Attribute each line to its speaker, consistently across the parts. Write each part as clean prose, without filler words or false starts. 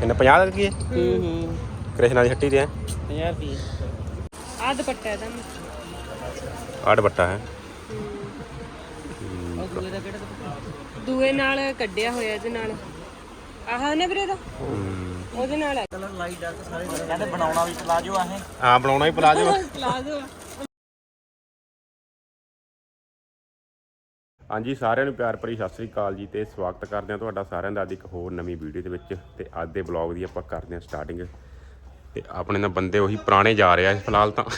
Speaker 1: ਇਹਨੇ 50 ਰੁਪਏ ਕ੍ਰਿਸ਼ਨਾ ਦੀ ਹੱਟੀ ਤੇ ਹੈ
Speaker 2: 50 ਰੁਪਏ। ਆ ਦੁਪੱਟਾ ਇਹਦਾ
Speaker 1: ਆਹ ਦੁਪੱਟਾ ਹੈ
Speaker 2: ਦੂਏ ਦਾ ਕਿਹੜਾ ਦੂਏ ਨਾਲ ਕੱਢਿਆ ਹੋਇਆ ਇਹਦੇ ਨਾਲ ਆਹ ਨੇ ਵੀਰੇ ਦਾ ਉਹਦੇ ਨਾਲ ਕਲਰ ਲਾਈਟ ਡਾਰਕ ਸਾਰੇ ਕਹਿੰਦੇ ਬਣਾਉਣਾ ਵੀ ਪਲਾਜੋ ਆ ਇਹ।
Speaker 1: ਹਾਂ ਬਣਾਉਣਾ ਹੀ ਪਲਾਜੋ
Speaker 2: ਪਲਾਜੋ।
Speaker 1: ਹਾਂਜੀ ਸਾਰਿਆਂ ਨੂੰ ਪਿਆਰ ਭਰੀ ਸਤਿ ਸ੍ਰੀ ਅਕਾਲ ਜੀ ਤੇ ਸਵਾਗਤ ਕਰਦੇ ਹਾਂ ਤੁਹਾਡਾ ਸਾਰਿਆਂ ਦਾ ਅੱਜ ਇੱਕ ਹੋਰ ਨਵੀਂ ਵੀਡੀਓ ਦੇ ਵਿੱਚ। ਤੇ ਅੱਜ ਦੇ ਬਲੌਗ ਦੀ ਆਪਾਂ ਕਰਦੇ ਹਾਂ ਸਟਾਰਟਿੰਗ। ਤੇ ਆਪਣੇ ਨਾਲ ਬੰਦੇ ਉਹੀ ਪੁਰਾਣੇ ਜਾ ਰਹੇ ਆ ਫਿਲਹਾਲ ਤਾਂ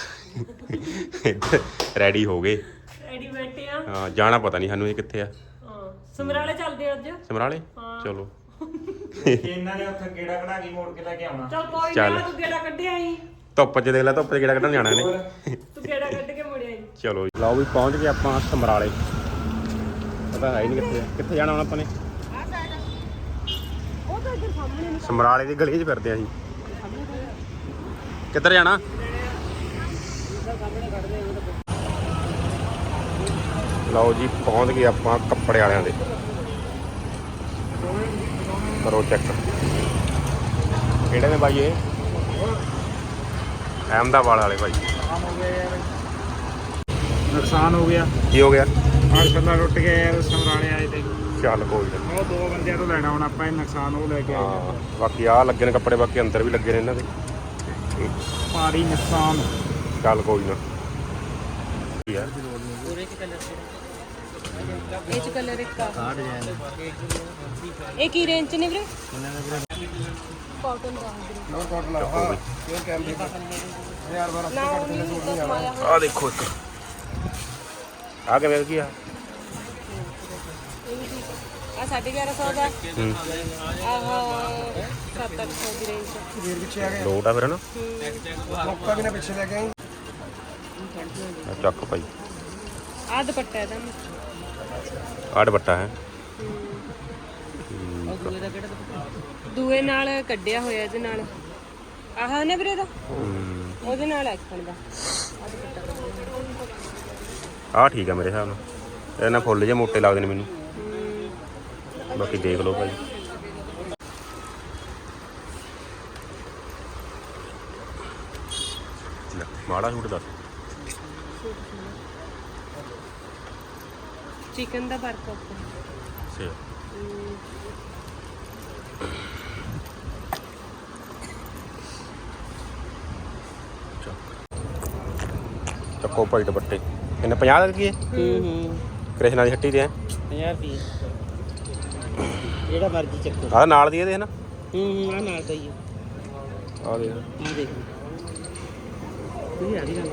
Speaker 1: ਰੈਡੀ ਹੋ ਗਏ
Speaker 2: ਰੈਡੀ ਬੈਠੇ ਆ।
Speaker 1: ਹਾਂ ਜਾਣਾ ਪਤਾ ਨਹੀਂ ਸਾਨੂੰ ਇਹ ਕਿੱਥੇ ਆ।
Speaker 2: ਹਾਂ ਸਮਰਾਲੇ ਚੱਲਦੇ ਅੱਜ।
Speaker 1: ਸਮਰਾਲੇ ਚਲੋ
Speaker 3: ਇਹਨਾਂ ਨੇ ਉੱਥੇ ਗੇੜਾ ਕਢਾ ਕੇ ਮੋੜ ਕੇ ਲੈ ਕੇ ਆਉਣਾ।
Speaker 2: ਚੱਲ ਕੋਈ ਨਾ ਤੂੰ ਗੇੜਾ ਕੱਢਿਆ ਆਈ।
Speaker 1: ਧੁੱਪ 'ਚ ਦੇਖ ਲੈ ਧੁੱਪ 'ਚ ਗੇੜਾ ਕੱਢਣ ਜਾਣਾ ਇਹਨੇ।
Speaker 2: ਤੂੰ ਗੇੜਾ ਕੱਢ ਕੇ ਮੁੜਿਆ ਆਈ।
Speaker 1: ਚਲੋ ਜੀ ਲਓ ਵੀ ਪਹੁੰਚ ਗਏ ਆਪਾਂ ਸਮਰਾਲੇ। ਪਤਾ ਹੈ ਨਹੀਂ ਕਿੱਥੇ ਜਾਣਾ ਹੁਣ ਆਪਾਂ ਨੇ।
Speaker 2: ਉਹ ਤਾਂ ਇੱਧਰ ਸਾਹਮਣੇ
Speaker 1: ਸਮਰਾਲੇ ਦੀ ਗਲੀ 'ਚ ਫਿਰਦੇ ਆ ਅਸੀਂ। ਕਿੱਧਰ ਜਾਣਾ? ਲਓ ਜੀ ਪਹੁੰਚ ਗਏ ਆਪਾਂ ਕੱਪੜੇ ਵਾਲਿਆਂ ਦੇ। ਕਰੋ ਚੈੱਕ ਕਿਹੜੇ ਨੇ ਬਾਈ ਇਹ? ਅਹਿਮਦਾਬਾਦ ਵਾਲੇ ਬਾਈ।
Speaker 3: ਨੁਕਸਾਨ ਹੋ ਗਿਆ।
Speaker 1: ਕੀ ਹੋ ਗਿਆ?
Speaker 3: ਆਹ ਛੱਲਾ ਟੁੱਟ ਗਿਆ ਯਾਰ ਸਮਰਾਲੇ ਆਏ ਤੇ।
Speaker 1: ਚੱਲ ਕੋਈ ਨਾ।
Speaker 3: ਉਹ ਦੋ ਬੰਦਿਆਂ ਤੋਂ ਲੈਣਾ ਹੁਣ ਆਪਾਂ ਇਹ ਨੁਕਸਾਨ ਉਹ ਲੈ ਕੇ ਆਏ
Speaker 1: ਹਾਂ ਬਾਕੀ ਆਹ ਲੱਗੇ ਨੇ ਕੱਪੜੇ ਬਾਕੀ ਅੰਦਰ ਵੀ ਲੱਗੇ ਨੇ ਇਹਨਾਂ ਦੇ।
Speaker 3: ਭਾਰੀ ਨੁਕਸਾਨ।
Speaker 1: ਚੱਲ ਕੋਈ ਨਾ। ਯਾਰ
Speaker 2: ਪੂਰੇ ਚ ਕਲਰ ਇਹ ਚ ਕਲਰ ਇੱਕ ਆ ਇਹ ਕੀ ਰੇਂਜ ਚ ਨੇ ਵੀਰੇ? ਕਾਟਨ ਦਾ ਵੀਰੇ।
Speaker 3: ਕਾਟਨ
Speaker 1: ਹਾਂ
Speaker 3: ਇਹ ਕੈਮਰੇ
Speaker 2: ਨਾ ਉਹ ਨਹੀਂ ਕਸਮਾਇਆ
Speaker 1: ਆਹ ਦੇਖੋ ਇੱਕ ਆਹ ਕਿਵੇਂ ਕੀ ਆ?
Speaker 2: ਆ 1150 ਦਾ।
Speaker 1: ਹੂੰ
Speaker 2: ਆਹ 700 ਦੀ ਰੇਂਜ ਚ।
Speaker 3: ਫੇਰ ਪਿੱਛੇ ਆ ਗਏ
Speaker 1: ਲੋਟ ਆ ਫਿਰ ਨਾ।
Speaker 3: ਮੌਕਾ ਵੀ ਨਾ ਪਿੱਛੇ ਲੈ ਕੇ ਆਈ।
Speaker 1: ਚੱਕ ਭਾਈ
Speaker 2: ਆ ਦੁਪੱਟਾ ਇਹਦਾ
Speaker 1: ਆਹ ਦੁਪੱਟਾ ਹੈ
Speaker 2: ਦੂਏ ਦਾ ਕਿਹੜਾ ਦੂਏ ਨਾਲ ਕੱਢਿਆ ਹੋਇਆ ਇਹਦੇ ਨਾਲ ਆਹ ਨੇ ਵੀਰੇ ਦਾ ਉਹਦੇ ਨਾਲ ਐਕਸ਼ਨ ਦਾ ਆ ਦੁਪੱਟਾ।
Speaker 1: ਆਹ ਠੀਕ ਆ ਮੇਰੇ ਹਿਸਾਬ ਨਾਲ। ਇਹਦੇ ਨਾਲ ਫੁੱਲ ਜਿਹੇ ਮੋਟੇ ਲੱਗਦੇ ਨੇ ਮੈਨੂੰ। ਬਾਕੀ ਦੇਖ ਲਓ ਭਾਈ। ਮਾੜਾ ਸੂਟ ਦੱਸ।
Speaker 2: ਚਿਕਨ ਦਾ ਵਰਕ ਉੱਪਰ
Speaker 1: ਸੇ ਚੱਕੋ ਭਾਈ ਦੁਪੱਟੇ। ਇਹਨੇ 50 ਰੁਪਏ ਕ੍ਰਿਸ਼ਨਾ ਦੀ ਹੱਟੀ ਤੇ ਹੈ
Speaker 2: 50 ਰੁਪਏ। ਜਿਹੜਾ ਮਰਜ਼ੀ ਚੱਕੋ।
Speaker 1: ਆਹ ਨਾਲ ਦੀ ਇਹਦੇ ਹੈ ਨਾ।
Speaker 2: ਆ ਨਾਲ ਦਾ ਹੀ ਆ।
Speaker 1: ਆਹ ਦੇਖ
Speaker 2: ਆ ਦੇਖ ਇਹ ਆ ਰਹੀ ਗੱਲ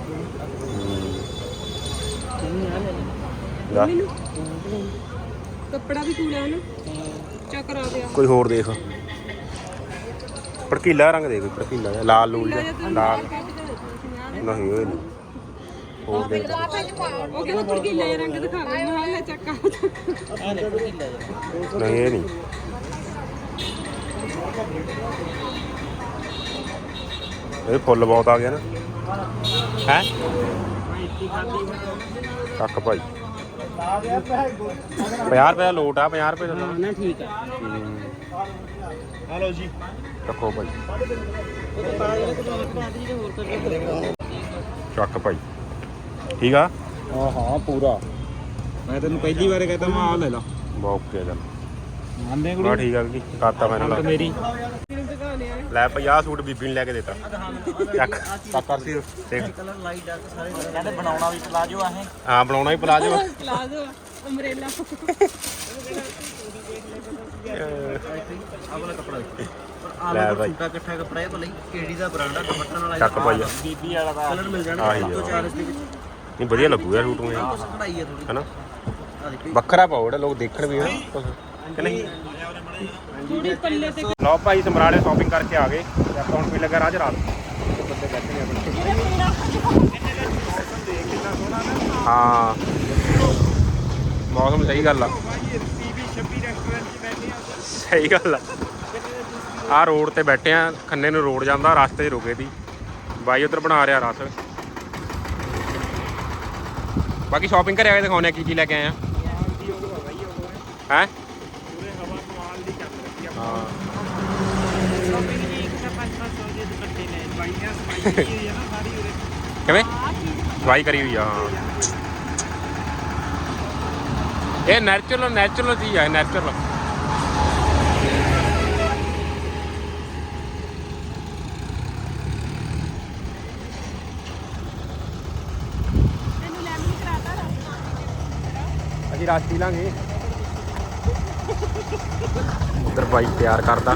Speaker 2: ਆ ਲੈ
Speaker 1: ਲੈ
Speaker 2: ਕੱਪੜਾ ਵੀ ਕੂੜਾ ਹੈ ਨਾ ਚੱਕਰ ਆ ਗਿਆ।
Speaker 1: ਕੋਈ ਹੋਰ ਦੇਖ ਭੜਕੀਲਾ ਰੰਗ ਦੇ ਕੋਈ ਭੜਕੀਲਾ ਜਿਹਾ ਲਾਲ ਲੂਲ ਜਿਹਾ ਲਾਲ ਨਹੀਂ ਉਹ ਨਹੀਂ ਹੋਰ ਦੇਖ
Speaker 2: ਉਹ ਕਹਿੰਦਾ ਭੜਕੀਲਾ ਜਿਹਾ ਰੰਗ ਦਿਖਾਵੇ ਮੈਂ ਹਾਲੇ ਚੱਕਾ ਆ ਲੈ ਭੜਕੀਲਾ ਜਿਹਾ।
Speaker 1: ਨਹੀਂ ਇਹ ਨਹੀਂ ਇਹ ਫੁੱਲ ਬਹੁਤ ਆ ਗਿਆ ਨਾ ਹੈ। ਕੱਕ ਭਾਈ 50 ਰੁਪਏ ਦਾ ਲੋਟ ਆ 50 ਰੁਪਏ ਦਾ
Speaker 2: ਨਾ ਠੀਕ ਆ।
Speaker 3: ਹਲੋ ਜੀ
Speaker 1: ਚੱਕੋ ਭਾਈ
Speaker 2: ਹੋਰ ਕਰ
Speaker 1: ਚੱਕ ਭਾਈ ਠੀਕ ਆ।
Speaker 3: ਹਾਂ ਹਾਂ ਪੂਰਾ। ਮੈਂ ਤੈਨੂੰ ਪਹਿਲੀ ਵਾਰ ਕਹਿੰਦਾ ਮੈਂ ਆ ਲੈ ਲਾ।
Speaker 1: ਓਕੇ ਚੱਲ
Speaker 3: ਮੰਨਦੇ
Speaker 1: ਬਾ ਠੀਕ ਆ ਜੀ ਕਰਤਾ ਮੈਂ ਨਾਲ
Speaker 3: ਮੇਰੀ
Speaker 1: ਲੈ 50 ਸੂਟ ਬੀਬੀ ਨੂੰ ਲੈ ਕੇ ਦਿੱਤਾ। ਚੱਕ ਚੱਕ ਸੀ ਦੇਖ
Speaker 2: ਕਲਰ ਲਾਈਟ ਡਾਰਕ ਸਾਰੇ ਕਹਿੰਦੇ ਬਣਾਉਣਾ ਵੀ ਪਲਾਜੋ ਆ ਇਹ।
Speaker 1: ਹਾਂ ਬਣਾਉਣਾ ਹੀ ਪਲਾਜੋ।
Speaker 2: ਪਲਾਜੋ ਅੰਬ੍ਰੇਲਾ
Speaker 3: ਆਹ ਵਾਲਾ ਕੱਪੜਾ
Speaker 1: ਲੈ ਭਾਈ
Speaker 2: ਛੋਟਾ ਇਕੱਠਾ ਕੱਪੜਾ ਇਹ ਭਲੇ ਕਿਹੜੀ ਦਾ ਬ੍ਰਾਂਡ ਆ ਦੁਪੱਟਾ ਨਾਲ
Speaker 1: ਚੱਕ ਭਾਈ
Speaker 3: ਬੀਬੀ ਵਾਲਾ ਦਾ
Speaker 2: ਕਲਰ ਮਿਲ ਜਾਣਾ
Speaker 1: ਆਹੀ ਆ।
Speaker 2: 4 ਦੇ ਵਿੱਚ।
Speaker 1: ਨਹੀਂ ਵਧੀਆ ਲੱਗੂ ਯਾਰ ਸੂਟ ਨੂੰ ਇਹ
Speaker 2: ਕਢਾਈ ਆ ਥੋੜੀ
Speaker 1: ਹਨਾ
Speaker 2: ਆ ਦੇਖੀ
Speaker 1: ਵੱਖਰਾ ਪਾਓ ਜਿਹੜਾ ਲੋਕ ਦੇਖਣ ਵੀ ਹਨਾ ਕੁਛ ਕਿ ਨਹੀਂ।
Speaker 2: ਥੋੜੀ ਪੱਲੇ ਤੇ
Speaker 1: ਲਓ ਭਾਈ ਸਮਰਾਲੇ ਸ਼ਾਪਿੰਗ ਕਰਕੇ ਆ ਗਏ ਤੇ ਆਪਾਂ ਹੁਣ ਵੀ ਲੱਗਾ ਰਾਜ ਰਾਤ ਬੰਦੇ ਬੈਠੇ ਨੇ ਆਪਣੇ। ਹਾਂ ਮੌਸਮ ਸਹੀ ਗੱਲ ਆ। ਸਹੀ ਗੱਲ ਆ। ਆਹ ਰੋਡ ਤੇ ਬੈਠੇ ਆ ਖੰਨੇ ਨੂੰ ਰੋਡ ਜਾਂਦਾ ਰਸਤੇ 'ਚ ਰੁਕੇ ਦੀ ਬਾਈ ਉਧਰ ਬਣਾ ਰਿਹਾ ਰਸ। ਬਾਕੀ ਸ਼ਾਪਿੰਗ ਕਰਿਆ ਦਿਖਾਉਣੇ ਕੀ ਲੈ ਕੇ ਆਏ ਆ ਹੈ। ਹਾਂ
Speaker 3: ਸ਼ਾਪਿੰਗ ਜੀ ਇੱਕ ਤਾਂ 500 ਦੇ ਦੁਪੱਟੇ ਲੈ ਬਾਈਆਂ ਸਮਾਈ ਹੋਈ ਹੈ ਨਾ ਸਾਰੀ ਉਰੇ
Speaker 1: ਕਿਵੇਂ ਸਵਾਈ ਕਰੀ ਹੋਈ ਆ ਹਾਂ ਇਹ ਨੈਚੁਰਲ ਚੀਜ਼ ਆ ਨੈਚੁਰਲ ਅਸੀਂ ਰਸ ਪੀ ਲਾਂਗੇ ਉਧਰ ਬਾਈ ਤਿਆਰ ਕਰਦਾ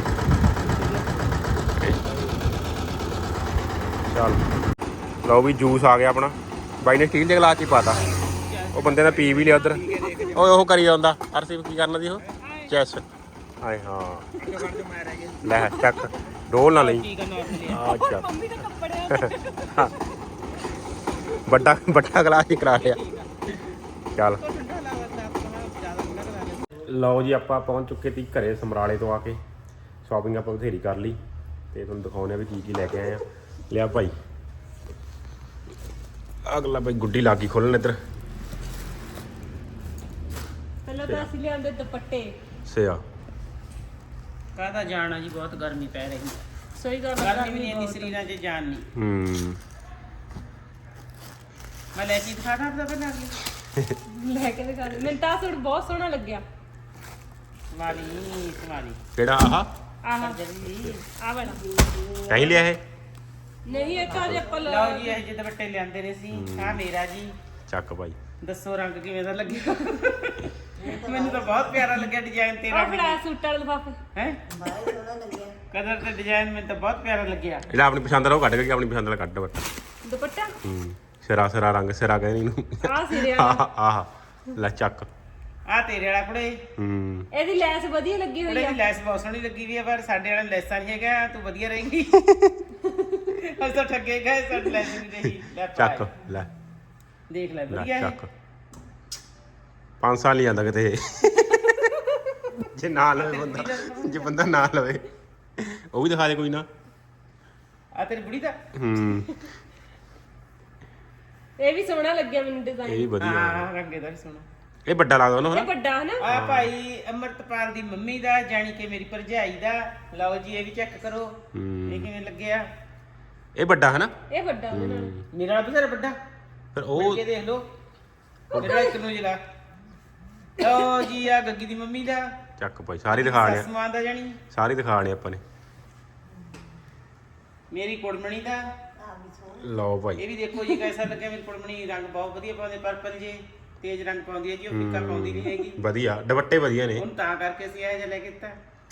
Speaker 1: ਚੱਲ ਲਓ ਵੀ ਜੂਸ ਆ ਗਿਆ ਆਪਣਾ ਬਾਈ ਨੇ ਸਟੀਲ ਦੇ ਗਲਾਸ 'ਚ ਹੀ ਪਾਤਾ ਉਹ ਬੰਦੇ ਨੇ ਪੀ ਵੀ ਲਿਆ ਉਧਰ ਉਹ ਕਰੀ ਜਾਂਦਾ ਅਰਸੀਬ ਕੀ ਕਰਨਾ ਦੀ ਉਹ ਚੈਸ ਆਏ ਹਾਂ ਲੈ ਚੱਕ ਡੋਲ ਨਾ ਲਈ ਅੱਛਾ ਵੱਡਾ ਗਲਾਸ ਹੀ ਕਰਾ ਲਿਆ ਚੱਲ ਲਓ ਜੀ ਆਪਾਂ ਪਹੁੰਚ ਚੁੱਕੇ ਤੀ ਘਰੇ ਸਮਰਾਲੇ ਤੋਂ ਆ ਕੇ ਸ਼ਾਪਿੰਗ ਆਪਾਂ ਬਥੇਰੀ ਕਰ ਲਈ ਤੇ ਤੁਹਾਨੂੰ ਦਿਖਾਉਂਦੇ ਆ ਵੀ ਕੀ ਲੈ ਕੇ ਆਏ ਆ ਲਿਆ ਭਾਈ ਅਗਲਾ ਭਾਈ ਗੁੱਡੀ ਲੱਗ ਗਈ ਖੋਲਣ ਇੱਧਰ
Speaker 2: ਪਹਿਲਾਂ ਤਾਂ ਅਸੀਂ ਲਿਆਂਦੇ ਦੁਪੱਟੇ
Speaker 1: ਸਿਆ
Speaker 3: ਕਾਹਦਾ ਜਾਣਾ ਜੀ ਬਹੁਤ ਗਰਮੀ ਪੈ ਰਹੀ ਹੈ
Speaker 2: ਸਹੀ ਗੱਲ
Speaker 3: ਗਰਮੀ ਵੀ ਨਹੀਂ ਇੰਨੀ ਸਰੀਰਾਂ 'ਚ ਜਾਨ ਨਹੀਂ ਮੈਂ ਲੈ ਕੇ ਦਿਖਾ ਦਾਂ ਪਹਿਲਾਂ
Speaker 2: ਲੈ ਕੇ ਦਿਖਾ ਦੇ ਮੈਨੂੰ ਤਾਂ ਸੂਟ ਬਹੁਤ ਸੋਹਣਾ ਲੱਗਿਆ
Speaker 3: ਸਮਾਲੀ
Speaker 1: ਕਿਹੜਾ ਆਹ
Speaker 2: ਆਹ
Speaker 3: ਜਲਦੀ
Speaker 2: ਆ ਵਾਲਾ
Speaker 1: ਕਹੀਂ ਲਿਆ ਇਹ
Speaker 2: ਨਹੀਂ ਇਹ ਤਾਂ ਆਪਾਂ
Speaker 3: ਲਓ ਜੀ ਇਹ ਜਿਹੇ ਦੁਪੱਟੇ ਲਿਆਂਦੇ ਨੇ ਸੀ ਆ ਮੇਰਾ ਜੀ
Speaker 1: ਚੱਕ ਭਾਈ
Speaker 3: ਦੱਸੋ ਰੰਗ ਕਿਵੇਂ ਦਾ ਲੱਗਿਆ ਮੈਨੂੰ ਤਾਂ ਬਹੁਤ ਪਿਆਰਾ ਲੱਗਿਆ ਡਿਜ਼ਾਈਨ ਤੇਰਾ
Speaker 2: ਆ ਫੜਾ ਸੂਟ ਵਾਲੇ ਲਿਫਾਫੇ
Speaker 3: ਹੈ ਬਹੁਤ ਸੋਹਣਾ ਲੱਗਿਆ ਕਲਰ ਤੇ ਡਿਜ਼ਾਈਨ ਮੈਨੂੰ ਤਾਂ ਬਹੁਤ ਪਿਆਰਾ ਲੱਗਿਆ
Speaker 1: ਜਿਹੜਾ ਆਪਣੀ ਪਸੰਦ ਦਾ ਉਹ ਕੱਢ ਕੇ ਆਪਣੀ ਪਸੰਦ ਦਾ ਕੱਢ ਬੱਟ
Speaker 2: ਦੁਪੱਟਾ
Speaker 1: ਸਿਰਾ ਰੰਗ ਸਿਰਾ ਕਹਿੰਦੇ ਇਹਨੂੰ
Speaker 2: ਆ ਸਿਰੇ ਵਾਲਾ
Speaker 1: ਆਹ ਲੈ ਚੱਕ
Speaker 3: ਆ ਤੇਰੇ ਵਾਲਾ ਕੁੜੇ
Speaker 2: ਇਹਦੀ ਲੈਸ ਵਧੀਆ ਲੱਗੀ ਹੋਈ
Speaker 3: ਕੁੜੇ
Speaker 2: ਆ
Speaker 3: ਦੀ ਲੈਸ ਬਹੁਤ ਸੋਹਣੀ ਲੱਗੀ ਵੀ ਆ ਪਰ ਸਾਡੇ ਵਾਲਾ ਲੈਸਾਂ ਨਹੀਂ ਹੈਗਾ ਤੂੰ ਵਧੀਆ ਰਹੇਂਗੀ ਅਸੀਂ ਤਾਂ ਠੱਗੇ ਗਏ ਸਾਡੀ ਲੈਸ ਨਹੀਂ ਰਹੀ ਲੈ
Speaker 1: ਚੱਕ ਲੈ
Speaker 3: ਦੇਖ ਲੈ
Speaker 1: ਲੈ
Speaker 3: ਵਧੀਆ ਹੈ
Speaker 1: ਚੱਕ 5 ਸਾਲ ਹੀ ਜਾਂਦਾ ਕਿਤੇ ਜੇ ਨਾ ਲਵੇ ਬੰਦਾ ਜੇ ਬੰਦਾ ਨਾ ਲਵੇ ਉਹ ਵੀ ਦਿਖਾ ਦੇ ਕੋਈ ਨਾ
Speaker 3: ਆ ਤੇਰੀ ਬੁੜੀ ਦਾ
Speaker 2: ਇਹ ਵੀ ਸੋਹਣਾ ਲੱਗਿਆ ਮੈਨੂੰ
Speaker 1: ਇਹ
Speaker 2: ਡਿਜ਼ਾਈਨ
Speaker 1: ਵੀ ਵਧੀਆ
Speaker 3: ਹਾਂ ਰੰਗੇ ਦਾ ਵੀ ਸੋਹਣਾ
Speaker 1: ਇਹ ਵੱਡਾ ਲੱਗਦਾ ਉਹਨੂੰ
Speaker 2: ਇਹ
Speaker 1: ਹਨਾ
Speaker 2: ਵੱਡਾ ਹੈ ਨਾ
Speaker 3: ਆ ਭਾਈ ਅਮਰਤਪਾਲ ਦੀ ਮੰਮੀ ਦਾ ਜਾਣੀ ਕਿ ਮੇਰੀ ਭਰਜਾਈ ਦਾ ਲਓ ਜੀ ਇਹ ਵੀ ਚੈੱਕ ਕਰੋ ਇਹ ਕਿਵੇਂ ਲੱਗਿਆ
Speaker 1: ਇਹ ਵੱਡਾ ਹਨਾ
Speaker 2: ਇਹ ਵੱਡਾ ਉਹਦੇ ਨਾਲ
Speaker 3: ਮੇਰਾ ਵਾਲਾ ਬਥੇਰਾ ਵੱਡਾ
Speaker 1: ਫਿਰ
Speaker 3: ਉਹ
Speaker 1: ਉਹ
Speaker 3: ਕੇ ਦੇਖ ਲਓ ਮੇਰਾ ਇੱਕ ਨੂੰ ਜਲਾ ਲਓ ਜੀ ਆ ਗੱਗੀ ਦੀ ਮੰਮੀ ਦਾ
Speaker 1: ਚੱਕ ਭਾਈ ਸਾਰੀ ਦਿਖਾਣੇ
Speaker 3: ਸਮਾਨ ਦਾ ਜਾਣੀ
Speaker 1: ਸਾਰੀ ਦਿਖਾਣੇ ਆਪਾਂ ਨੇ
Speaker 3: ਮੇਰੀ ਕੁੜਮਣੀ ਦਾ
Speaker 1: ਲਓ ਭਾਈ
Speaker 3: ਇਹ ਵੀ ਦੇਖੋ ਜੀ ਕਿਹਦਾ ਲੱਗਿਆ ਮੇਰੀ ਕੁੜਮਣੀ ਰੰਗ ਬਹੁਤ ਵਧੀਆ ਪਾਉਂਦੇ ਪਰਪਲ ਜੇ ਤੇਜ਼ ਰੰਗ ਪਾਉਂਦੀ ਹੈ ਜੀ ਉਹ ਫਿੱਕਾ ਪਾਉਂਦੀ ਨਹੀਂ ਹੈਗੀ
Speaker 1: ਵਧੀਆ ਦੁਪੱਟੇ ਵਧੀਆ ਨੇ
Speaker 3: ਹੁਣ ਤਾਂ ਕਰਕੇ ਅਸੀਂ ਇਹ ਜਿਹਾ ਲੈ ਕੇ ਦਿੱਤਾ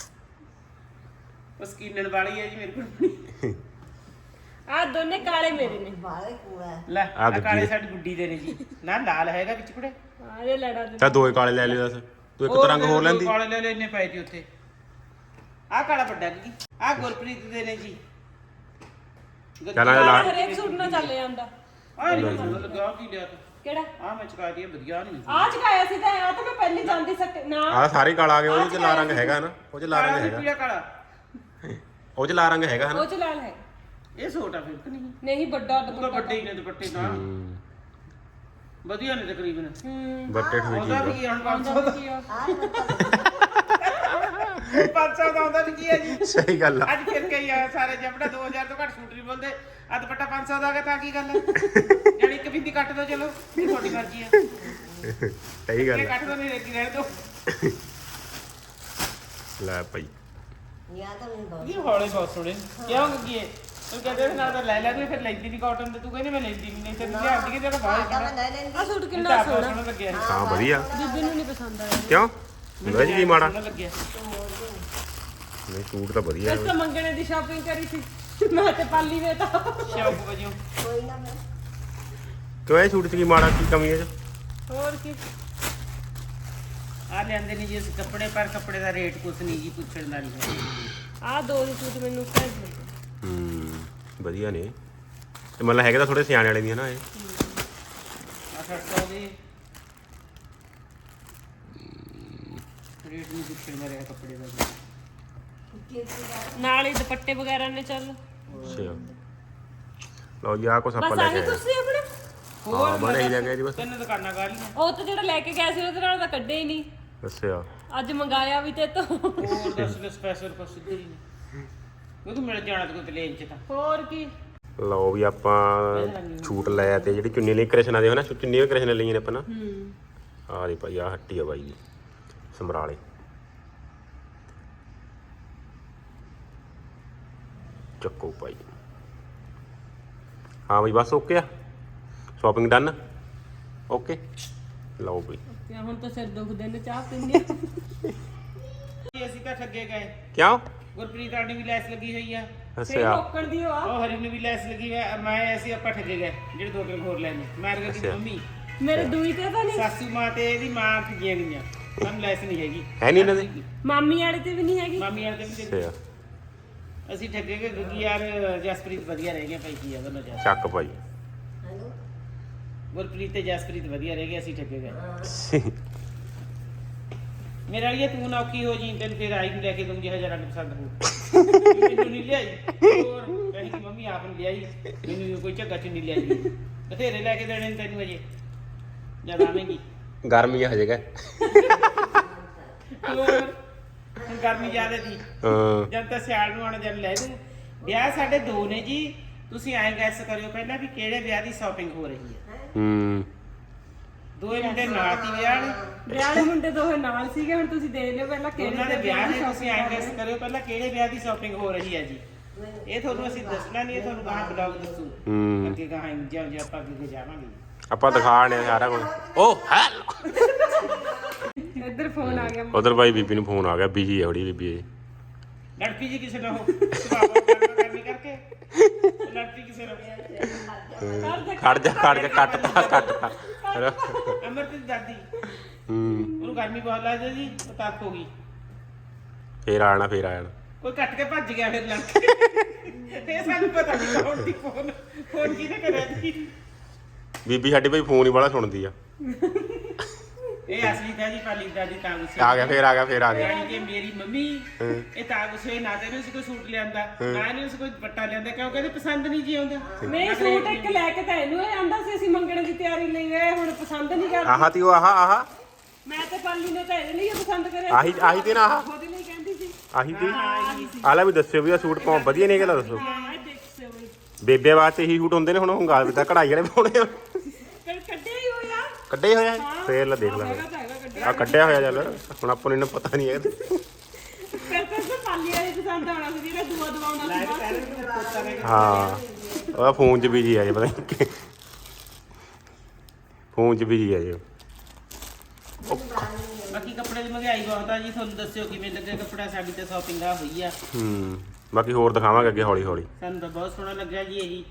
Speaker 3: ਉਹ ਸਕੀਨਣ ਵਾਲੀ ਹੈ ਜੀ ਮੇਰੀ ਕੁੜਮਣੀ
Speaker 2: ਆ ਦੋਨੇ ਕਾਲੇ ਮੇਰੇ ਨੇ
Speaker 3: ਲੈ
Speaker 1: ਆਹ
Speaker 3: ਆ
Speaker 1: ਗੱਗੀ
Speaker 3: ਕਾਲੇ
Speaker 1: ਦੇ।
Speaker 3: ਸਾਡੀ ਗੁੱਡੀ ਦੇ ਨੇ ਜੀ ਨਾ ਲਾਲ ਹੈਗਾ ਵਿੱਚ ਕੁੜੇ
Speaker 2: ਆ ਇਹ ਲੜਾ ਦੇ
Speaker 1: ਤਾਂ ਦੋਏ ਕਾਲੇ ਲੈ ਲਿਓ ਦੱਸ ਤੂੰ ਇੱਕ ਤਾਂ ਰੰਗ ਹੋਰ ਲੈਂਦੀ
Speaker 3: ਕਾਲੇ ਲੈ ਲੈ ਇੰਨੇ ਪਏ ਜੀ ਉੱਥੇ ਆ ਕਾਲਾ ਵੱਡਾ ਕੀ ਆ ਗੁਰਪ੍ਰੀਤ ਦੇ ਨੇ ਜੀ
Speaker 1: ਚੱਲ ਆ ਲਾ
Speaker 2: ਹਰੇਕ ਸੂਟ ਨਾਲ ਚੱਲ ਜਾਂਦਾ
Speaker 3: ਆ ਨਹੀਂ ਮੈਨੂੰ ਲੱਗਾ ਕੀ ਲਿਆ ਤੂੰ
Speaker 2: ਕਿਹੜਾ
Speaker 3: ਆ ਮੈਂ ਚਕਾ ਦਿਆ ਵਧੀਆ ਨਹੀਂ
Speaker 2: ਆ ਚਕਾਇਆ ਸੀ ਤਾਂ ਆ ਤਾਂ ਮੈਂ ਪਹਿਲੀ ਜਾਂਦੀ ਸਕ ਨਾ
Speaker 1: ਆਹ ਸਾਰੇ ਕਾਲਾ ਆ ਗਏ ਉਹਦੇ ਚ ਲਾ ਰੰਗ ਹੈਗਾ ਨਾ ਉਹ ਚ ਲਾ ਰੰਗ ਹੈਗਾ
Speaker 3: ਪੀਲਾ ਕਾਲਾ
Speaker 1: ਉਹ ਚ ਲਾ ਰੰਗ ਹੈਗਾ ਹਨਾ
Speaker 2: ਉਹ ਚ ਲਾਲ ਹੈ
Speaker 3: ਇਹ ਛੋਟਾ ਫਿਰ ਕਿ ਨਹੀਂ
Speaker 2: ਨਹੀਂ ਵੱਡਾ
Speaker 3: ਉਹ ਤਾਂ ਵੱਡੇ ਹੀ ਨੇ ਦੁਪੱਟੇ ਨਾ ਵਧੀਆ ਨੇ ਤਕਰੀਬਨ
Speaker 1: ਬੱਟੇ ਠੋਈ
Speaker 3: ਉਹਦਾ ਵੀ
Speaker 1: ਜੀ
Speaker 3: ਕੀ ਹੁਣ 500 ਦਾ 500 ਦਾ ਹੁੰਦਾ ਵੀ ਕੀ ਹੈ ਜੀ
Speaker 1: ਸਹੀ ਗੱਲ ਆ
Speaker 3: ਅੱਜ ਫਿਰ ਕਈ ਆ ਸਾਰੇ ਜਬੜਾ 2000 ਤੋਂ ਘੱਟ ਸੂਟ ਨਹੀਂ ਬੋਲਦੇ ਆ ਦੁਪੱਟਾ 500 ਦਾ ਆ ਗਿਆ ਤਾਂ ਕੀ ਗੱਲ ਹੈ ਜਿਹੜੀ ਇੱਕ ਬਿੰਦੀ ਕੱਟ ਦੋ ਚਲੋ ਇਹ ਤੁਹਾਡੀ ਮਰਜ਼ੀ ਹੈ
Speaker 1: ਸਹੀ ਗੱਲ
Speaker 3: ਇਹ
Speaker 1: ਆ
Speaker 3: ਕੱਟ ਦੋ ਨਹੀਂ ਰੇਕੀ ਰਹਿਣ ਦੋ
Speaker 1: ਲੈ ਭਾਈ
Speaker 3: ਇਹ ਹੌਲੇ ਬਹੁਤ ਸੋਹਣੇ ਕਿਉਂ ਕੀ ਹੈ ਤੂੰ ਕਹਿੰਦੇ ਨਾ ਤਾਂ ਲੈ ਲੈ ਤੂੰ ਫਿਰ ਲੈਂਦੀ ਨਹੀਂ ਕਾਟਨ ਤੇ ਤੂੰ ਕਹਿੰਦੀ ਮੈਂ ਲੈਂਦੀ ਨਹੀਂ ਤੇ ਤੂੰ ਲਿਆਂਦੀ ਕਿ ਤੇਰਾ ਬਾਹਰ
Speaker 2: ਆ ਸੂਟ ਕਿੰਨਾ ਸੋਹਣਾ
Speaker 3: ਲੱਗਿਆ
Speaker 1: ਹਾਂ ਵਧੀਆ
Speaker 2: ਬੀਬੀ ਨੂੰ ਨਹੀਂ ਪਸੰਦ ਆਇਆ
Speaker 1: ਕਿਉਂ ਹੁੰਦਾ ਜੀ ਕੀ ਮਾੜਾ
Speaker 3: ਸੋਹਣਾ ਲੱਗਿਆ
Speaker 1: ਨਹੀਂ ਸੂਟ ਤਾਂ ਵਧੀਆ
Speaker 2: ਇਸ ਤਾਂ ਮੰਗਣੇ ਦੀ ਸ਼ਾਪਿੰਗ ਕਰੀ ਸੀ ਮੈਂ ਤੇ ਪਾਲੀ ਵੇ ਤਾਂ
Speaker 3: ਸ਼ੌਕ ਵਜੋਂ
Speaker 1: ਕਿਉਂ ਇਹ ਸੂਟ ਚ ਕੀ ਮਾੜਾ ਕੀ ਕਮੀ ਹੈ ਇਹ 'ਚ?
Speaker 2: ਹੋਰ ਕੀ
Speaker 3: ਆ ਲੈਂਦੇ ਨਹੀਂ ਜੀ ਇਸ ਕੱਪੜੇ ਪਰ ਕੱਪੜੇ ਦਾ ਰੇਟ ਕੁਛ ਨਹੀਂ ਜੀ ਪੁੱਛਣ ਦਾ ਨਹੀਂ
Speaker 2: ਆ ਦੋ ਸੂਟ ਮੈਨੂੰ ਘੱਟ ਲੱਗੇ
Speaker 1: ਵਧੀਆ ਨੇ ਤੇ ਮਤਲਬ ਹੈਗੇ ਤਾਂ ਥੋੜੇ ਸਿਆਣੇ ਵਾਲੇ ਦੀ ਹਨਾ ਇਹ
Speaker 3: ਆ 600 ਦੇ ਰੇਟ ਨਹੀਂ ਪੁੱਛਣ ਦਾ ਰਿਹਾ ਕੱਪੜੇ ਦਾ
Speaker 2: ਨਾਲ ਹੀ ਦੁਪੱਟੇ ਵਗੈਰਾ ਨੇ ਚੱਲ
Speaker 1: ਅੱਛਾ ਲਓ ਜੀ ਆਹ ਕੁਛ ਆਪਾਂ
Speaker 2: ਬਸ
Speaker 1: ਲੈ
Speaker 2: ਆਹੀ
Speaker 1: ਕੇ ਆਏ
Speaker 2: ਤੁਸੀਂ ਆਪਣੇ
Speaker 1: ਹਾਂ ਬਸ ਇਹੀ ਲੈ ਕੇ ਆਏ ਜੀ ਬਸ
Speaker 3: ਤਿੰਨ ਦੁਕਾਨਾਂ ਗਾਲੀਆਂ
Speaker 2: ਉਹ ਤਾਂ ਜਿਹੜਾ ਲੈ ਕੇ ਗਿਆ ਸੀ ਉਹਦੇ ਨਾਲ ਤਾਂ ਕੱਢੇ ਹੀ ਨਹੀਂ
Speaker 1: ਅੱਛਾ
Speaker 2: ਅੱਜ ਮੰਗਾਇਆ ਵੀ ਤੇ ਤੋਂ
Speaker 3: ਹੋਰ ਦੱਸ ਲੈ ਸਪੈਸ਼ਲ ਕੁਛ ਸਿੱਧੇ ਹੀ ਨਹੀਂ ਕਿਉਂਕਿ ਮਿਲ ਜਾਣਾ ਤੇ ਕੋਈ ਪਲੇਨ ਚ ਤਾਂ
Speaker 2: ਹੋਰ ਕੀ।
Speaker 1: ਲਓ ਵੀ ਆਪਾਂ ਛੂਟ ਲੈ ਤੇ ਜਿਹੜੀ ਚੁੰਨੀ ਲਈ ਕ੍ਰਿਸ਼ਨਾ ਦੇ ਹੋ ਨਾ ਚੁੰਨੀ ਵੀ ਕ੍ਰਿਸ਼ਨਾ ਲਈ ਨੇ ਆਪਾਂ ਨਾ। ਆਹ ਦੇ ਭਾਈ ਆਹ ਹੱਟੀ ਆ ਬਾਈ ਦੀ ਸਮਰਾਲੇ। ਚੱਕੋ ਭਾਈ। ਹਾਂ ਬਈ ਬਸ ਓਕੇ ਆ ਸ਼ਾਪਿੰਗ ਡਨ ਓਕੇ। ਲਓ ਬਈ
Speaker 2: ਹੁਣ ਤਾਂ ਸਿਰ ਦੁਖਦੇ ਨੇ ਚਾਹ ਪੀਂਦੇ
Speaker 3: ਅਸੀਂ ਤਾਂ ਠੱਗੇ ਗਏ।
Speaker 1: ਕਿਉਂ?
Speaker 3: ਗੁਰਪ੍ਰੀਤ ਆਂਟੀ ਵੀ ਲੈਸ ਲੱਗੀ ਹੋਈ ਆ।
Speaker 1: ਅੱਛਾ
Speaker 2: ਲੋਕਣ ਦੀ ਉਹ
Speaker 3: ਉਹ ਹਰੀ ਨੂੰ ਵੀ ਲੈਸ ਲੱਗੀ ਹੋਈ ਆ। ਮੈਂ ਅਸੀਂ ਆਪਾਂ ਠੱਗੇ ਗਏ ਜਿਹੜੇ 2 ਹੋਰ ਲੈਣੇ। ਮੈਂ ਕਹਿੰਦੀ ਮੰਮੀ
Speaker 2: ਮੇਰੇ ਦੂਈ ਤੇ ਤਾਂ ਨਹੀਂ,
Speaker 3: ਸਾਸੂ ਮਾਂ ਤੇ ਇਹਦੀ ਮਾਂ ਠੱਗੀਆਂ ਗਈਆਂ। ਸਾਨੂੰ ਲੈਸ ਨਹੀਂ ਹੈਗੀ।
Speaker 1: ਹੈ ਨਹੀਂ ਇਹਨਾਂ ਦੇ
Speaker 2: ਮਾਮੀ ਵਾਲੇ ਤੇ ਵੀ ਨਹੀਂ ਹੈਗੀ।
Speaker 3: ਮਾਮੀ ਵਾਲੇ ਤੇ ਵੀ
Speaker 1: ਅੱਛਾ
Speaker 3: ਅਸੀਂ ਠੱਗੇ ਗਏ ਕਿਉਂਕਿ ਯਾਰ ਜਸਪ੍ਰੀਤ ਵਧੀਆ ਰਹਿ ਗਿਆ ਭਾਈ ਕੀ ਆ ਦੋਨੋਂ ਜਾ।
Speaker 1: ਚੱਕ ਭਾਈ।
Speaker 3: ਗੁਰਪ੍ਰੀਤ ਤੇ ਜਸਪ੍ਰੀਤ ਵਧੀਆ ਰਹਿ ਗਏ ਅਸੀਂ ਠੱਗੇ ਗਏ। ਮੇਰੇ ਵਾਲੀ ਤੂੰ ਨਾ ਔਖੀ ਹੋ ਜੀ ਤੈਨੂੰ ਫਿਰ ਆਈ ਨੂੰ ਲੈ ਕੇ ਦੂੰਗੀ ਹਜ਼ਾਰਾਂ ਨੂੰ ਪਸੰਦ ਹੋ। ਮੈਨੂੰ ਨਹੀਂ ਲਿਆਈ ਹੋਰ ਕਹਿੰਦੀ ਮੰਮੀ ਆਪ ਨੂੰ ਲਿਆਈ ਮੈਨੂੰ ਕੋਈ ਝੱਗਾ ਚ ਨਹੀਂ ਲਿਆਈ। ਬਥੇਰੇ ਲੈ ਕੇ ਦੇਣੇ ਤੈਨੂੰ ਅਜੇ ਜਦ ਆਵੇਂਗੀ।
Speaker 1: ਗਰਮੀ ਆ ਹਜੇਗਾ।
Speaker 3: ਹੋਰ ਹੁਣ ਗਰਮੀ ਜ਼ਿਆਦਾ ਦੀ ਜਦ ਤਾਂ ਸਿਆਲ ਨੂੰ ਆਉਣਾ ਜਦ ਲੈ ਦੂੰ। ਵਿਆਹ ਸਾਡੇ 2 ਨੇ ਜੀ। ਤੁਸੀਂ ਐਂ ਗੈਸ ਕਰਿਓ ਪਹਿਲਾਂ ਵੀ ਕਿਹੜੇ ਵਿਆਹ ਦੀ ਸ਼ਾਪਿੰਗ ਹੋ ਰਹੀ ਹੈ। ਦੋਏ ਮੁੰਡੇ ਨਾਲ ਸੀ ਵਿਆਹ
Speaker 2: ਵਾਲੇ ਮੁੰਡੇ ਦੋਵੇਂ ਨਾਲ ਸੀਗੇ। ਹੁਣ ਤੁਸੀਂ ਦੇਖ ਲਿਓ ਪਹਿਲਾਂ
Speaker 3: ਉਹਨਾਂ
Speaker 2: ਕਿਹੜੇ
Speaker 3: ਦੇ ਵਿਆਹ ਨੇ। ਤੁਸੀਂ ਐਂ ਗੈਸ ਕਰਿਓ ਪਹਿਲਾਂ ਕਿਹੜੇ ਵਿਆਹ ਦੀ ਸ਼ਾਪਿੰਗ ਹੋ ਰਹੀ ਹੈ ਜੀ। ਇਹ ਤੁਹਾਨੂੰ ਅਸੀਂ ਦੱਸਣਾ ਨਹੀਂ, ਇਹ ਤੁਹਾਨੂੰ ਕਹਾਂ ਬਲੌਗ ਦੱਸੂ ਅੱਗੇ ਕਹਾਂ ਜਿਉਂ ਆਪਾਂ ਅੱਗੇ ਜਾਵਾਂਗੇ
Speaker 1: ਆਪਾਂ ਦਿਖਾਣੇ ਸਾਰਾ ਕੁਝ। ਓ ਹੈਲੋ
Speaker 2: ਇੱਧਰ ਫੋਨ ਆ ਗਿਆ।
Speaker 1: ਉਧਰ ਭਾਈ ਬੀਬੀ ਨੂੰ ਫੋਨ ਆ ਗਿਆ ਬਿਜੀ ਹੈ ਥੋੜੀ ਬੀਬੀ ਇਹ।
Speaker 3: ਲੜਪੀ ਜੀ ਕਿਸੇ ਨਾਲ ਹੋ ਕਰਨੀ ਕਰਕੇ ਲੜਪੀ ਕਿਸੇ ਨਾਲ
Speaker 1: ਖੜ ਜਾ ਕੱਟਤਾ
Speaker 3: ਅਮਰਤ ਦੀ ਦਾਦੀ ਉਹਨੂੰ ਗਰਮੀ ਬਹੁਤ ਲੱਗਦੀ ਜੀ ਉਹ ਤੱਕ ਹੋ ਗਈ।
Speaker 1: ਫੇਰ ਆਣਾ
Speaker 3: ਕੋਈ ਕੱਟ ਕੇ ਭੱਜ ਗਿਆ ਫਿਰ ਲੜ ਕੇ। ਇਹ ਸਾਨੂੰ ਪਤਾ ਨਹੀਂ ਕੌਣ ਦੀ ਫੋਨ ਕਿਹਨੇ ਕਰਿਆ ਜੀ।
Speaker 1: ਬੀਬੀ ਸਾਡੀ ਭਾਈ ਫੋਨ ਹੀ ਬੜਾ ਸੁਣਦੀ ਆ।
Speaker 3: ਇਹ ਅਸਲੀ ਤਾਂ ਜੀ ਪਾਲੀ ਦਾਦੀ ਤਾਂ ਗੁੱਸੇ
Speaker 1: ਆ ਗਿਆ ਫੇਰ ਆ ਗਿਆ
Speaker 3: ਯਾਨੀ ਕਿ ਮੇਰੀ ਮੰਮੀ ਇਹ ਤਾਂ ਗੁੱਸੇ ਨਾ ਤੇ ਇਹਨੂੰ ਕੋਈ ਸੂਟ ਲਿਆਂਦਾ ਨਾ ਇਹਨੂੰ ਕੋਈ ਦੁਪੱਟਾ ਲਿਆਂਦਾ ਕਿਉਂਕਿ ਇਹਦੇ ਪਸੰਦ ਨਹੀਂ ਜੀ ਆਉਂਦਾ।
Speaker 2: ਮੈਂ ਸੂਟ ਇੱਕ ਲੈ ਕੇ ਤਾਂ ਇਹਨੂੰ ਆਂਦਾ ਸੀ ਅਸੀਂ ਮੰਗਣ ਦੀ ਤਿਆਰੀ ਲਈ ਗਏ। ਹੁਣ ਪਸੰਦ ਨਹੀਂ ਕਰਦੀ।
Speaker 1: ਆਹ ਤੀ ਉਹ ਆਹ
Speaker 2: ਮੈਂ ਤੇ ਪਾਲੀ ਨੇ ਤਾਂ ਇਹਦੇ ਲਈ ਪਸੰਦ ਕਰਿਆ।
Speaker 1: ਆਹੀ ਤੇ ਨਾ ਆਹ
Speaker 2: ਉਹਦੇ ਲਈ ਕਹਿੰਦੀ ਸੀ।
Speaker 1: ਆਹੀ ਤੇ ਆਲਾ ਵੀ ਦੱਸਿਓ ਵੀ ਆ ਸੂਟ ਪਾਉ ਵਧੀਆ ਨਹੀਂ ਹੈਗਾ ਦੱਸੋ।
Speaker 2: ਹਾਂ ਦੇਖ ਸੋਈ
Speaker 1: ਬੇਬੇ ਵਾਸਤੇ ਇਹੀ ਸੂਟ ਹੁੰਦੇ ਨੇ। ਹੁਣ ਹੁੰਗਾ ਵੀ ਤਾਂ ਕਢਾਈ ਵਾਲੇ ਪਾਉਣੇ ਆ।
Speaker 2: ਕੱਢਿਆ ਹੀ ਹੋਇਆ।
Speaker 1: ਕੱਢੇ ਹੋਇਆ ਫੇਰ ਲੈ ਦੇਖ ਲਾਂਗੇ। ਆ ਕੱਢਿਆ ਹੋਇਆ ਚੱਲ ਹੁਣ ਆਪਾਂ ਨੂੰ ਇਹਨਾਂ ਪਤਾ ਨਹੀਂ ਹੈ।
Speaker 2: ਫਿਰ ਤਾਂ ਪਾਲੀ ਵਾਲੀ ਪਸੰਦ ਆਉਣਾ ਸੀ ਜਿਹੜਾ ਦੂਆ ਦਵਾਉਣਾ ਸੀ।
Speaker 1: ਹਾਂ ਉਹਦਾ ਫੋਨ 'ਚ ਬਿਜੀ ਆ ਜੇ ਪਤਾ ਨਹੀਂ ਫੋਨ 'ਚ ਬਿਜੀ ਆ ਜੇ।
Speaker 3: ਬਾਕੀ ਕੱਪੜੇ ਦੀ ਮਹਿੰਗਾਈ ਬਹੁਤ ਆ ਜੀ। ਤੁਹਾਨੂੰ ਦੱਸਿਓ ਕਿਵੇਂ ਲੱਗੇ ਕੱਪੜਾ। ਸਾਡੀ ਤਾਂ ਸ਼ਾਪਿੰਗ ਆ ਹੋਈ ਆ।
Speaker 1: ਬਾਕੀ ਹੋਰ ਦਿਖਾਵਾਂਗੇ ਅੱਗੇ ਹੌਲੀ ਹੌਲੀ।
Speaker 3: ਸਾਨੂੰ ਤਾਂ ਬਹੁਤ ਸੋਹਣਾ ਲੱਗਿਆ ਜੀ ਇਹੀ।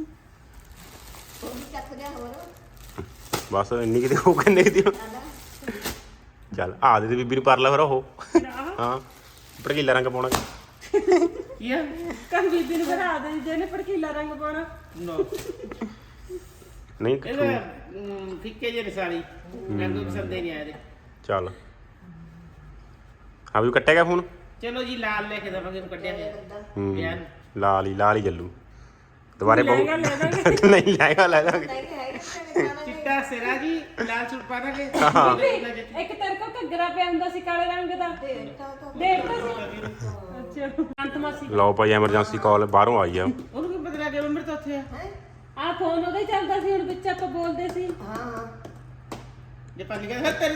Speaker 1: ਬਸ ਇੰਨੀ ਕਿਤੇ ਉਹ ਕਿੰਨੇ ਦੀ ਚੱਲ ਆ ਦੇ ਬੀਬੀ ਨੂੰ ਪਰ ਲੈ ਫਿਰ ਉਹ। ਹਾਂ ਭੜਕੀਲਾ ਰੰਗ ਪਾਉਣਾ
Speaker 3: ਕੀ ਆ
Speaker 2: ਕੱਲ ਬੀਬੀ ਨੂੰ ਬਣਾ ਦੇ ਜਿਹਨੇ ਭੜਕੀਲਾ ਰੰਗ ਪਾਉਣਾ।
Speaker 3: ਨੋ
Speaker 1: ਨਹੀਂ
Speaker 3: ਇਹਦਾ ਫਿੱਕੇ ਜਿਹੇ ਸਾਰੀ ਮੈਨੂੰ ਪਸੰਦ ਹੀ ਨਹੀਂ ਆਇਆ।
Speaker 1: ਚੱਲ ਆ ਵੀ ਕੱਟੇਗਾ ਫੋਨ।
Speaker 3: ਚਲੋ ਜੀ ਲਾਲ ਲੈ ਕੇ ਦਵਾਂਗੇ ਇਹਨੂੰ ਕੱਢਿਆ ਹੋਇਆ।
Speaker 1: ਲਾਲ ਹੀ ਚੱਲੂ ਦੁਬਾਰੇ ਬਹੁ
Speaker 2: ਲੈ ਦਾਂਗੇ।
Speaker 1: ਨਹੀਂ ਲੈ ਦਾਂਗੇ।
Speaker 3: ਚਿੱਟਾ ਸਿਰਾ ਜੀ ਲਾਲ ਸੂਟ ਪਾ ਦਾਂਗੇ।
Speaker 2: ਇੱਕ ਤੇਰੇ ਕੋਲ ਘੱਗਰਾ ਪਿਆ ਹੁੰਦਾ ਸੀ ਕਾਲੇ ਰੰਗ ਦਾ। ਦੇਖ ਅੱਛਾ ਅੰਤ ਮਾਸੀ।
Speaker 1: ਲਓ ਭਾਈ ਐਮਰਜੈਂਸੀ ਕਾਲ ਬਾਹਰੋਂ ਆਈ ਆ।
Speaker 3: ਉਹਨੂੰ ਕੀ ਪਤਾ ਲੱਗਿਆ ਮੰਮੀ ਤਾਂ ਉੱਥੇ ਆ।
Speaker 2: ਆ ਫੋਨ ਉਹਦਾ ਹੀ ਚੱਲਦਾ ਸੀ। ਹੁਣ ਵਿੱਚ ਆਪਾਂ ਬੋਲਦੇ ਸੀ।
Speaker 3: ਜੇ ਪਾ ਲਿਆ ਤੇਰੇ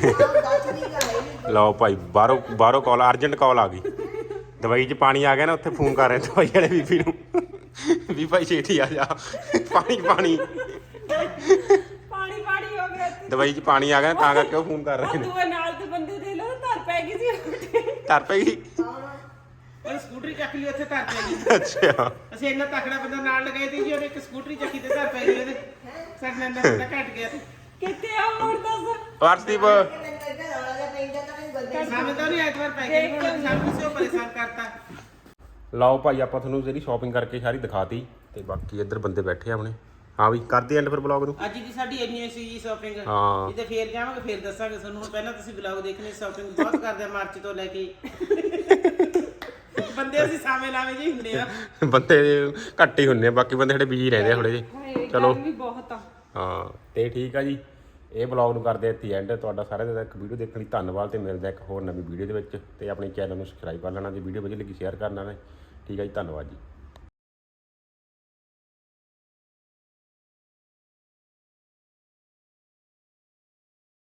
Speaker 1: ਲਓ ਭਾਈ ਬਾਹਰੋਂ ਕਾਲ ਅਰਜੈਂਟ ਕਾਲ ਆ ਗਈ। ਦਵਾਈ 'ਚ ਪਾਣੀ ਆ ਗਿਆ ਨਾ ਉੱਥੇ ਫੋਨ ਕਰ ਰਹੇ ਦਵਾਈ ਵਾਲੇ ਬੀਬੀ ਨੂੰ ਵੀ ਭਾਈ ਛੇਤੀ ਆ ਜਾ ਪਾਣੀ
Speaker 2: ਪਾਣੀ ਹੋ ਗਿਆ।
Speaker 1: ਦਵਾਈ 'ਚ ਪਾਣੀ ਆ ਗਿਆ ਤਾਂ ਕਰਕੇ ਉਹ ਫੋਨ ਕਰ ਰਹੇ ਨੇ।
Speaker 2: ਦੂਏ ਨਾਲ ਦੇ ਬੰਦੇ ਦੇ ਲੋ ਧਰ ਪੈ ਗਈ ਸੀ।
Speaker 1: ਧਰ ਪਈ
Speaker 3: ਉਹ ਸਕੂਟਰੀ ਚੱਕ ਲਈ ਉੱਥੇ ਧਰ ਪੈ ਗਈ।
Speaker 1: ਅੱਛਾ
Speaker 3: ਅਸੀਂ ਇੰਨਾ ਤਕੜਾ ਬੰਦਾ ਨਾਲ ਲਗਾਏ ਤੇ ਜੀ ਉਹਨੇ ਇੱਕ ਸਕੂਟਰੀ ਚੱਕੀ ਤੇ ਧਰ ਪੈ ਗਈ ਉਹਦੇ। ਸਾਡੇ ਨਾਲ ਬੰਦਾ ਘਟ ਗਿਆ।
Speaker 2: ਕਿੱਥੇ ਆ ਹੁਣ ਦੱਸ।
Speaker 1: ਵਾਰਦੀਪ
Speaker 3: ਸਾਨੂੰ ਤਾਂ ਨਹੀਂ ਐਤਵਾਰ ਪੈ ਗਈ। ਹੁਣ ਸਾਨੂੰ ਸਿਓ ਪਰੇਸ਼ਾਨ ਕਰਤਾ।
Speaker 1: ਲਓ ਭਾਈ ਆਪਾਂ ਤੁਹਾਨੂੰ ਜਿਹੜੀ ਸ਼ਾਪਿੰਗ ਕਰਕੇ ਸਾਰੀ ਦਿਖਾਤੀ ਤੇ ਬਾਕੀ ਇੱਧਰ ਬੰਦੇ ਬੈਠੇ ਆ ਆਪਣੇ। ਹਾਂ ਵੀ ਕਰਦੇ ਐਂਡ ਫਿਰ ਬਲੌਗ ਨੂੰ।
Speaker 3: ਅੱਜ ਦੀ ਸਾਡੀ ਇੰਨੀ ਸੀ ਜੀ ਸ਼ਾਪਿੰਗ।
Speaker 1: ਹਾਂ
Speaker 3: ਜਿੱਤੇ ਫੇਰ ਜਾਵਾਂਗੇ ਫੇਰ ਦੱਸਾਂਗੇ ਤੁਹਾਨੂੰ। ਹੁਣ ਪਹਿਲਾਂ ਤੁਸੀਂ ਬਲੌਗ ਦੇਖਣੇ। ਸ਼ਾਪਿੰਗ ਬਹੁਤ ਕਰਦੇ ਆ ਮਾਰਚ ਤੋਂ ਲੈ ਕੇ। ਬੰਦੇ ਅਸੀਂ ਸਾਵੇਂ ਲਾਵੇਂ ਜੀ ਹੁੰਦੇ ਆ।
Speaker 1: ਬੰਦੇ ਘੱਟ ਹੀ ਹੁੰਦੇ ਆ ਬਾਕੀ ਬੰਦੇ ਸਾਡੇ ਬਿਜੀ ਰਹਿੰਦੇ ਆ ਥੋੜੇ ਜਿਹੇ। ਚਲੋ
Speaker 2: ਗਰਮੀ ਬਹੁਤ ਆ।
Speaker 1: ਹਾਂ ਤੇ ਠੀਕ ਆ ਜੀ ਇਹ ਬਲੌਗ ਨੂੰ ਕਰਦੇ ਇੱਥੇ ਐਂਡ। ਤੁਹਾਡਾ ਸਾਰਿਆਂ ਦਾ ਇੱਕ ਵੀਡੀਓ ਦੇਖਣ ਲਈ ਧੰਨਵਾਦ ਤੇ ਮਿਲਦਾ ਇੱਕ ਹੋਰ ਨਵੀਂ ਵੀਡੀਓ ਦੇ ਵਿੱਚ। ਤੇ ਆਪਣੇ ਚੈਨਲ ਨੂੰ ਸਬਸਕ੍ਰਾਈਬ ਕਰ ਲੈਣਾ। ਜੇ ਵੀਡੀਓ ਵਧੀਆ ਲੱਗੀ ਸ਼ੇਅਰ ਕਰਨਾ ਨੇ। ਠੀਕ ਹੈ ਜੀ, ਧੰਨਵਾਦ ਜੀ।